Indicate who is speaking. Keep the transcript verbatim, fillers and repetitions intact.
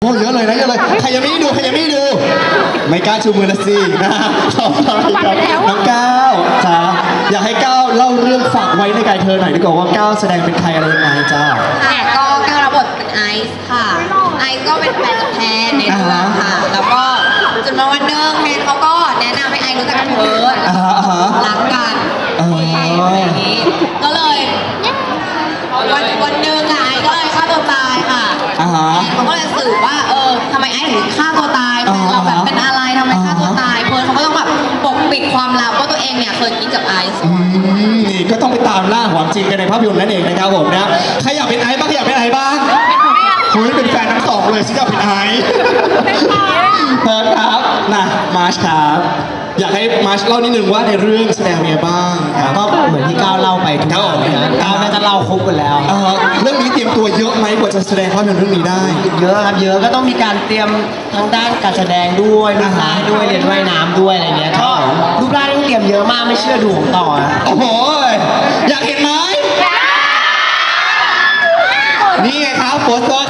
Speaker 1: โอ้เยอะเลยนะเยอะเลยใครยังไม่ได้ดูใครยังไม่ได้ดูไม่กล้าชูมือละสินะต่อไปครับน้องก้าวจ้าอยากให้ก้าวเล่าเรื่องฝากไว้ในกายเธอหน่อยดีกว่าว่าก้าวแสดงเป็นใครอะไรยังไงจ้า
Speaker 2: ค่ะก็ก้าวรับบทเป็นไอซ์ค่ะไอซ์ก็เป็นแฟนกับแพนในเรื่องค่ะ แล้วก็จนมาวันหนึงแพนเขาก็แนะนำให้ไอซ์รู้จักกับเพิร์ด
Speaker 1: อ่าฮะอ่าฮะ
Speaker 2: รักกัน
Speaker 1: อ๋อ
Speaker 2: อะไรอย่างนี้ก็เลยวันวันหนึ่งอะไอซ์ก็เลยฆ่าตัวตายค่ะ
Speaker 1: อ่าฮะ
Speaker 2: เขาก็เลยสืบว่าเออทำไมไอซ์ถึงฆ่าตัวตายแฟนเราแบบเป็นอะไรทำไมฆ่าตัวตายเพิร์ดเขาก็ต้องแบบปกปิดความลับว่าตัวเองเนี่ยเคยกินกับไอซ์
Speaker 1: อืมนี่ก็ต้องไปตามล่าความจริงกันในภาพยนตร์นั่นเองนะครับผมนะใครอยากเป็นไอซ์บ้างใครอยากเป็นไอซ์บ้างคุยเป็นแฟนทั้งสองเลยฉันอยากเป็นไอซ์เพิร์ดครับนะมาร์ชครับอยากให้มาร์ชเล่านิดนึงว่าในเรื่องแสดงเป็นไงบ้างครับ
Speaker 3: ก็เหมือนที่ก้าวเล่าไปทุกอย่างเลยนะก้าวน่าจะเล่าครบกันแล้ว
Speaker 1: เอ่อเรื่องนี้เตรียมตัวเยอะไหมกว่าจะแสดงภาพยนตร์เรื่องนี้ได้
Speaker 3: เยอะครับเยอะก็ต้องมีการเตรียมทางด้านการแสดงด้วยรูปร่างด้วยเรียนว่ายน้ำด้วยอะไรเงี้ยก็รูปร่างต้องเตรียมเยอะมากไม่เชื่อดูของต่อนะ
Speaker 1: โอ้โหอยากเห็นไหมนี่ไงครับโฟโต้